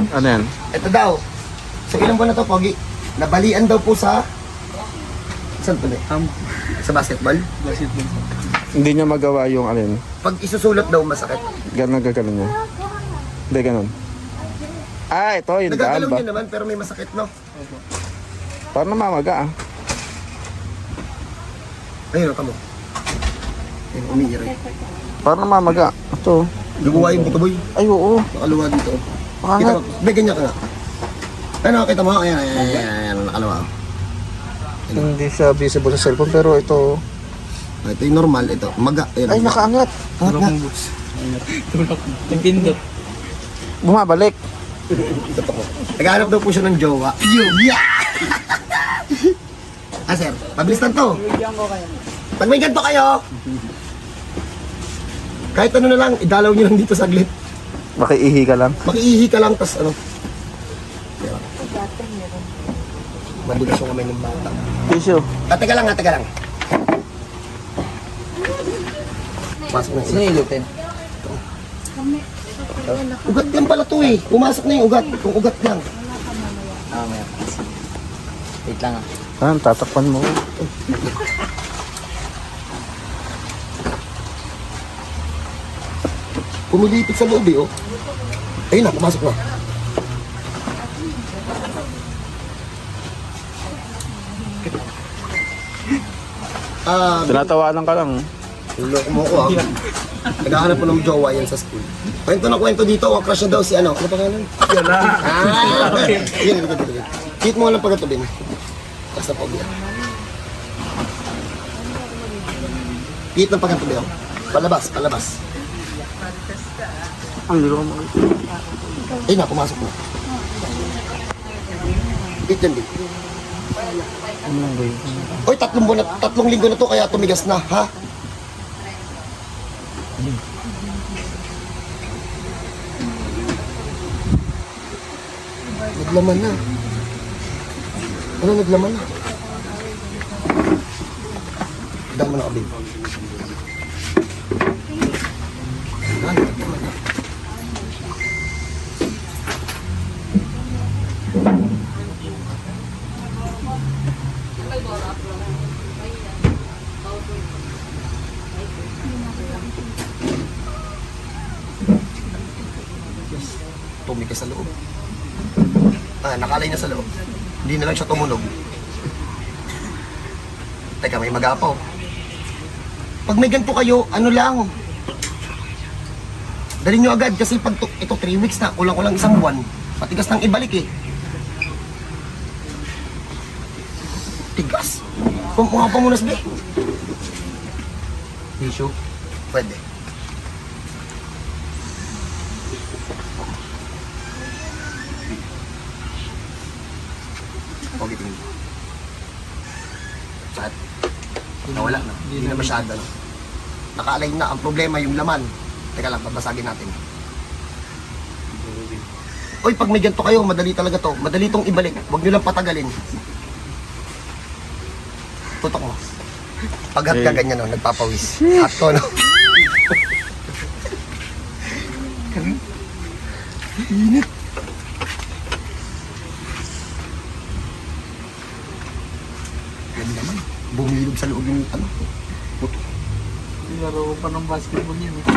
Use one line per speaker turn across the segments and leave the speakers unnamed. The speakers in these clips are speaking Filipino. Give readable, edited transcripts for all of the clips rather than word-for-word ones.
Ano yan?
Ito daw. So ilang buwan na to, Pogi? Nabalian daw po sa... Saan po na? Sa basketball?
Basketball.
Hindi niya magawa yung alin.
Pag isusulot daw, masakit.
Ganun gagawin niya. Hindi ganun. Ah, ito yung daan
Nagagalaw
ba?
niya naman, pero may masakit, no?
Opo.
Parang namamaga ah.
Ayun, kamo. Ayun, umiiray.
Parang namamaga. Ito.
Luguwa yung buto, boy.
Ay, oo.
Nakaluwa dito.
Baka
Kita
nga.
mo, may ganyan ka nga. Ano, kita mo? Ayan, ayan, ayan, ayan, nakaluwa.
Hindi siya visible sa cellphone pero ito.
Ito yung normal, ito. Maga. Ayan,
Ay, nakaangat.
Angat
Tulak
nga.
ng boots. Tulak. Nagpindot.
Bumabalik.
Ito po. Naghahanap daw po siya ng jowa. Yeah! Ah, sir, pabilis lang to. Pag may ganito kayo, kahit ano na lang, idalaw nyo lang dito saglit.
Makiihi ka lang.
Makiihi ka lang, tas ano. Mabigas yung kamay ng bata.
Tissue.
Teka lang, teka lang. Pasok na yun.
Ilutin.
Ugat yan pala to eh. Pumasok na yung ugat. Kung ugat lang.
Ah, may. Wait lang ah.
Ah, tatakpan mo.
Pumilipit sa loob eh, oh. Ayun na, pumasok na.
Tinatawanan ka lang.
Loko mo ko ah. Naghahanap po ng jowa yan sa school. Kwento na kwento dito, ang crush na daw si ano. Ano pangalan?
Yan na.
Yun, dito. Hit mo nga lang pagkatabi mo. Tapos na pogi. Hit ng pagkatabi ako. Palabas, palabas.
Ang hindi ko makikita.
Ayun na, pumasok na. Hit yan, hit. Oy, 3 linggo na to kaya tumigas na, ha? Naglaman na. Ano naglaman na? Dama na kabig. Naglaman na. Tumigas sa loob. Nakalay na sa loob. Hindi na lang siya tumunog. Teka, may magapaw. Pag may ganito kayo, ano lang. Dali nyo agad kasi pag ito 3 weeks na, kulang-kulang 1 buwan. Matigas nang ibalik eh. Tigas. Kumuha pa muna sabi.
Tissue.
Pwede. Pogi tingin. Saan? Nawala na. Hindi na masyado. No? Naka-align na. Ang problema yung laman. Teka lang, babasagin natin. Oy, pag may ganito kayo, madali talaga to. Madali tong ibalik. Huwag nyo lang patagalin. Tutok mo. Paghat ka ganyan, no? Nagpapawis. Hot ko, no? Init. Yan naman. Bumilog sa loob yung ano. Puto.
Laro ko pa ng basketball yan eh.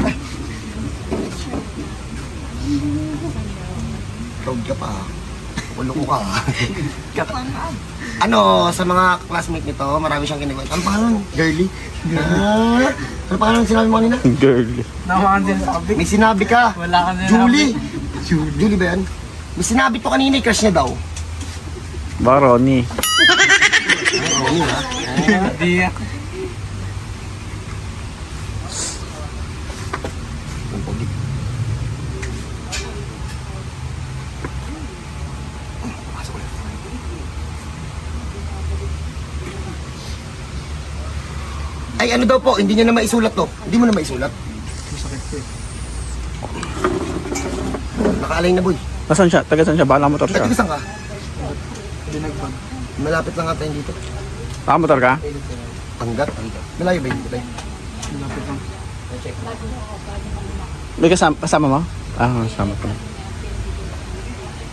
Proud ka pa. Ulo ko ka. Ano, sa mga classmate nito, marami siyang kinikwento. Ano pangalan? Girly? Ano pangalan sinabi mo kanina?
Girl.
Nawakan din sa kabig.
May sinabi ka.
Wala ka din.
Julie. Julie ba yan? May sinabi to kanina, crush niya daw.
Ba, Ronnie?
Oo, yun ha.
Hindi ah.
Ang pogi. Pasok ulit. Ay, ano daw po, hindi niya na maisulat to. Hindi mo na maisulat.
Masakit ko eh.
Nakaalay na boy.
Nasaan siya? Taga saan siya? Bala motor
Ay,
siya.
tigasan ka.
Binagbag.
Malapit lang ata yun dito.
Ah, motor ka?
Panggat. Malayo ba yun?
Malapit lang.
May kasama mo? Ah, kasama ko.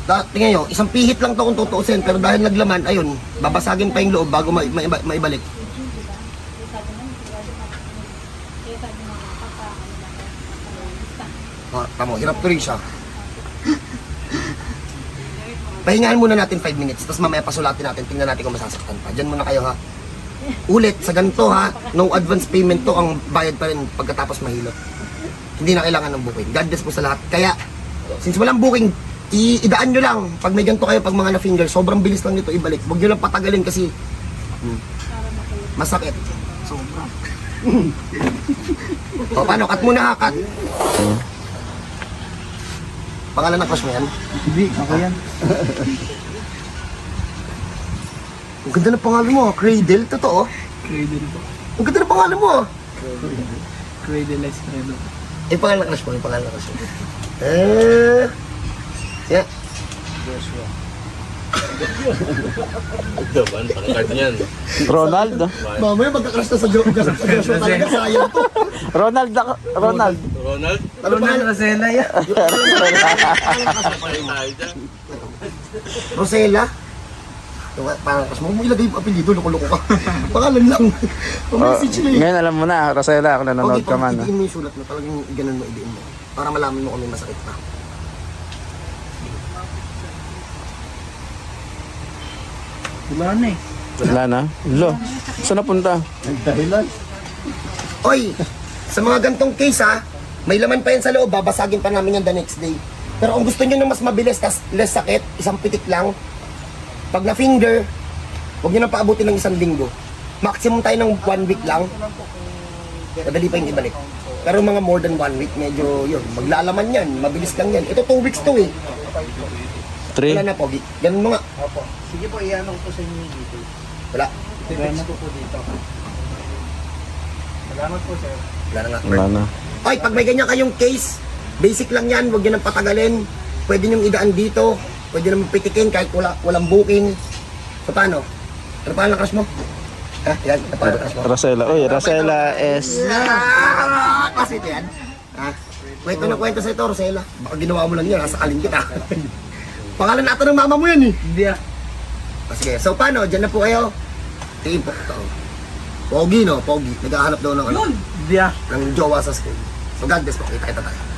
Tingnan nyo, isang pihit lang to kung tutuusin, pero dahil naglaman, ayun, babasagin pa yung loob bago maibalik. Tamo, hirap to rin siya. Pahingahan muna natin 5 minutes, tapos mamaya pasulatin natin, tingnan natin kung masasaktan pa. Diyan muna kayo ha. Ulit, sa ganito ha, no advance payment to, ang bayad pa rin pagkatapos mahilot. Hindi na kailangan ng booking. God bless po sa lahat. Kaya, since walang booking, idaan nyo lang. Pag may ganito kayo, pag mga na-finger, sobrang bilis lang nito ibalik. Huwag nyo lang patagalin kasi masakit. Sobra. O, paano? Cut muna ha, cut. Pangalan ng crush mo yan?
Hindi, ako yan.
Ang ganda ng pangalan mo, Cradle, totoo.
Cradle po.
Ang ganda ng pangalan mo.
Cradle Estrado.
Eh, pangalan ng crush mo, yung pangalan ng crush mo. Yeah.
Daban, pangkard niyan.
Ronald.
Mamaya magka-crush na sa Joshua talaga, sayang to.
Ronald.
Ronald?
Ano pangalan?
Rosella yan.
Rosella? Parang crush mo, ilagay yung apelido, loko-loko ka. Pangalan lang. Message na eh.
Ngayon alam mo na, Rosella, kung nanonood
Okay,
ka man.
idiin mo yung sulat mo, talagang ganun mo, idiin mo. Para malaman mo kung may masakit pa.
Wala na eh.
Wala na. Lo, saan napunta?
Oy, sa mga gantong case ha, may laman pa yan sa loob, babasagin pa namin yan the next day. Pero kung gusto nyo ng mas mabilis, tas less sakit, isang pitik lang, pag na-finger, huwag nyo nang paabutin ng 1 linggo. Maximum tayo ng 1 week lang. Madali pa yung ibalik. Pero mga more than 1 week, medyo yun, maglalaman yan, mabilis lang yan. Ito 2 weeks to eh.
3.
Wala na, Pogi. Ganun mo nga.
Sige po, ianong ko sa inyo dito.
Wala.
Salamat po dito. Salamat po, sir.
Wala na nga.
Wala na.
Oy, pag may ganyan kayong case, basic lang yan, huwag nyo nang patagalin. Pwede nyo idaan dito, pwede nyo pitikin kahit walang booking. So paano? Ano pa ang crush mo? Ha? Yan, ano pa ang crush mo?
Rosella. Uy, Rosella is...
Kasi ito yan. Ha? Kwento na kwento sa ito, Rosella. Baka ginawa mo lang yan, sakalin kita. Pangalan natin ng mama mo yan eh.
Hindi ah.
Sige, so paano? Diyan na po kayo. Tingin po. Ito. Pogi no, Pogi. Naghahanap daw ng ano,
Hindi ah.
ng jowa sa school. So God bless po, kita tayo.